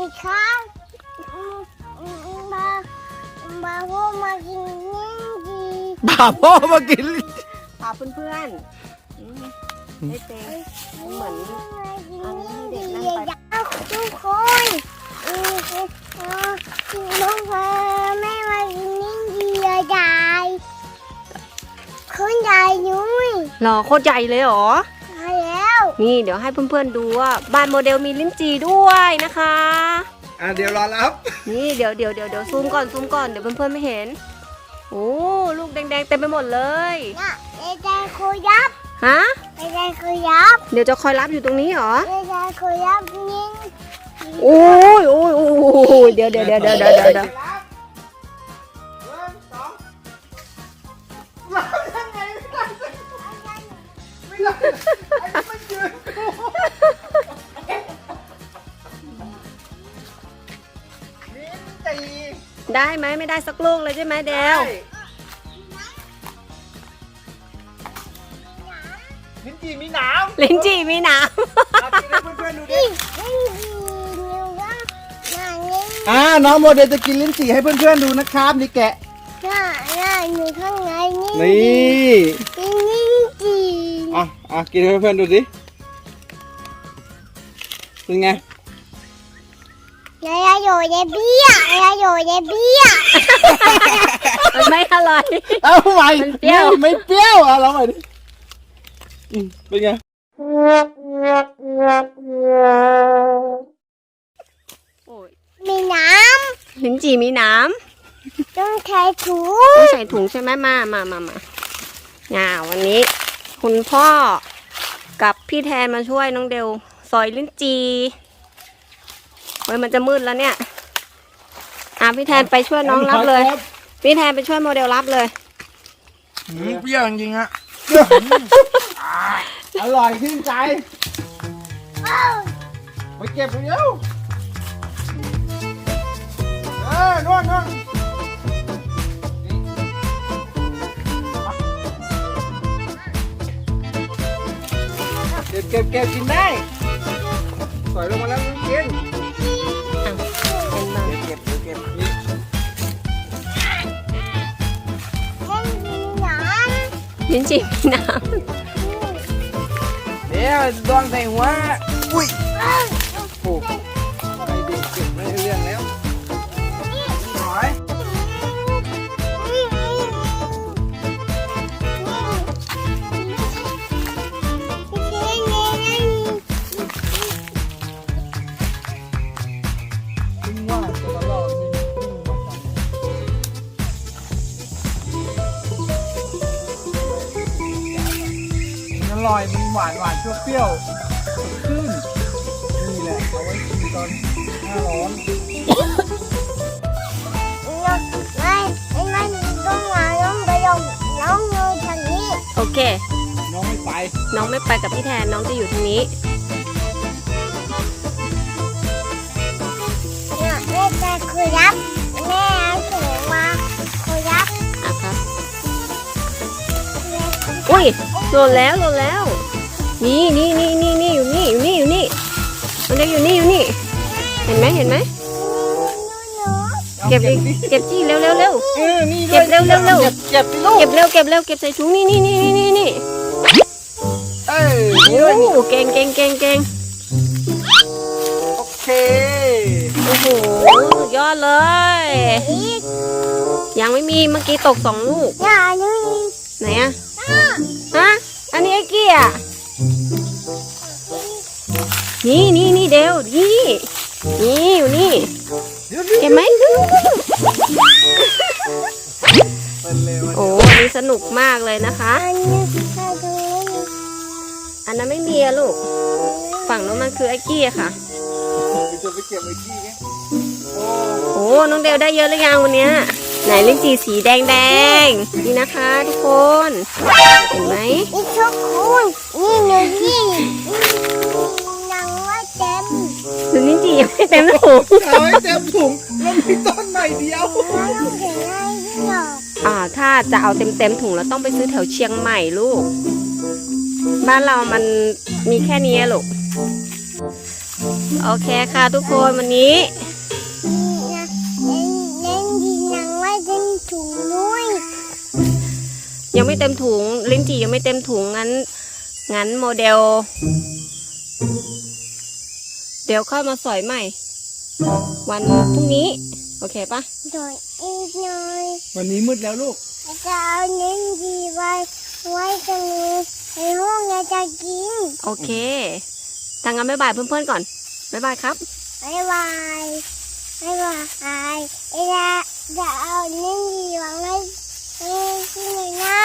ครับมาพ่อมากินลิ้นจี่บ่าพ่อมากินลิ้นจี่พาเพื่อนๆให้เต้เหมือนอันนี้ให้เด็กนั่งไปทุกคนน้องแม่มากินลิ้นจี่ใหญ่ขึ้นใหญ่ยุ้ยหล่อโคตรใหญ่เลยเหรอใช่แล้วนี่เดี๋ยวให้เพื่อนๆดูว่าบ้านโมเดลมีลิ้นจี่ด้วยนะคะเดี๋ยวรอรับนี่เดี๋ยวซูมก่อนเดี๋ยวเพื่อนๆไม่เห็นโอ้ลูกแดงๆเต็มไปหมดเลยน่ะใจคุยยับฮะใจคุยยับเดี๋ยวจะคอยรับอยู่ตรงนี้เหรอใจคุยยับนี่โอ้ยเดี๋ยวได้ไหมไม่ได้สักลูกเลยใช่ไหมเดวลิ้นจี่มีหนามลิ้นจี่มีหนามกินให้เพื่อนๆดูดินี่น้องโมเดลจะกินลิ้นจี่ให้เพื่อนๆดูนะครับนี่แกะน่าอยู่ข้างในนี่นี่ลิ้นจี่กินให้เพื่อนๆดูสิเป็นไงยายอยู่ในเบี้ยยายอยู่ในเบี้ยมันไม่อร่อยเอาใหม่มันเปรี้ยวไม่เปรี้ยวลองใหม่ดิเป็นไงมีน้ลิ้นจี่มีหนามำต้องใช้ถุงต้องใส่ถุงใช่ไหมมาวันนี้ คุณพ่อกับพี่แทนมาช่วยน้องเดวซอยลิ้นจี่เฮ้ยมันจะมืดแล้วเนี่ยพี่แทนไปช่วยน้องรับเลย พี่แทนไปช่วยโมเดลรับเลยเปรี้ยวจริงๆฮะอร่อยชื่นใจไปเก็บเร็วนู่นเก็บกินได้สวยลงมาแล้วกินเป็นบ้างเก็บนี่ไม่มีน้ลิ้นจี่มีหนามเดี๋ยวดวงใส่หัวอุ้ยำโอ้ไปดูเก็บไม่เรื่องแล้วหน่อย ขึ้นว่าตัวละรอบนี่มันอร่อยมันหวานเปรี้ยวๆขึ้นนี่แหละเอาไว้กินตอนหน้าร้อนโอเคน้องไม่ไปน้องไม่ไปกับพี่แทนน้องจะอยู่ทางนี้คุยยับแม่ถุงมาคุยยับครับอุ้ยหล่นแล้วนี่อยู่นี่มันเด็กอยู่นี่เห็นไหมเก็บจี้เร็วนี่เก็บเร็วเก็บสิลูกเก็บใส่ถุงนี่เอ้ยโอ้เก่งโอเคโอ้โหสุดยอดเลย ยังไม่มีเมื่อกี้ตก2 ลูกอย่านี่ไหนอะฮะอันนี้ไอ้กี้อะนี่เดวนี่อยู่นี่เห็นไหมเป็นเร็วโอ้อันนี้สนุกมากเลยนะคะอันนี้ใครดูอันนั้นไม่มีอะลูกฝั่งนู้นมันคือไอ้กี้อะค่ะจะไปเก็บไอ้กี้ไงโอ้น้องเดวได้เยอะหรือยังวันเนี้ยไหนลิ้นจี่สีแดงนี่นะคะทุกคนเห็นไหมนี่ทุกคนนี่หนูนี่ยังไม่เต็มหรือลิ้นจี่ยังไม่เต็มถุงเอาให้เต็มถุงแล้วมีต้นใหม่เดียวแล้วต้องเขียนอะไรที่หรอถ้าจะเอาเต็มถุงแล้วต้องไปซื้อแถวเชียงใหม่ลูกบ้านเรามันมีแค่นี้ลูกโอเคค่ะทุกคนวันนี้นะเล่นดีนังไว้เต็มถุงด้วยยังไม่เต็มถุงลิ้นจี่ยังไม่เต็มถุงงั้นโมเดล เดี๋ยวค่อยมาสอยใหม่ วันพรุ่งนี้ โอเคปะโดยอีกหน่อยวันนี้มืดแล้วลูกจะเอาเล่นดีไว้ตรงนี้ในห้องเราจะกินโอเคทางงั้นบ๊ายบายเพื่อนๆก่อนบ๊ายบายครับบ๊ายบายบ๊ายบายจะเอาเล่นดีวางไว้ที่ไหนนะ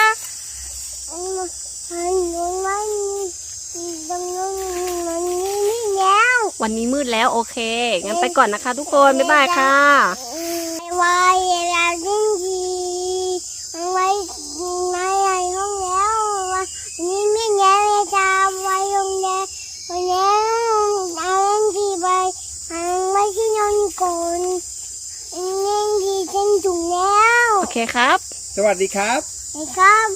มันตรงนู้นมันนี่แล้ววันนี้มืดแล้วโอเคงั้นไปก่อนนะคะ ทุกคนบ๊ายบายค่ะไว้เราเล่นดีไว้ไม่ในห้องแล้วนี่ไม่แย่จะไว้ตรงนี้แล้วเอาเล่นดีไว้ที่นอนก่อนเล่นดีเต็มถุงแล้วโอเคครับสวัสดีครับนะครับ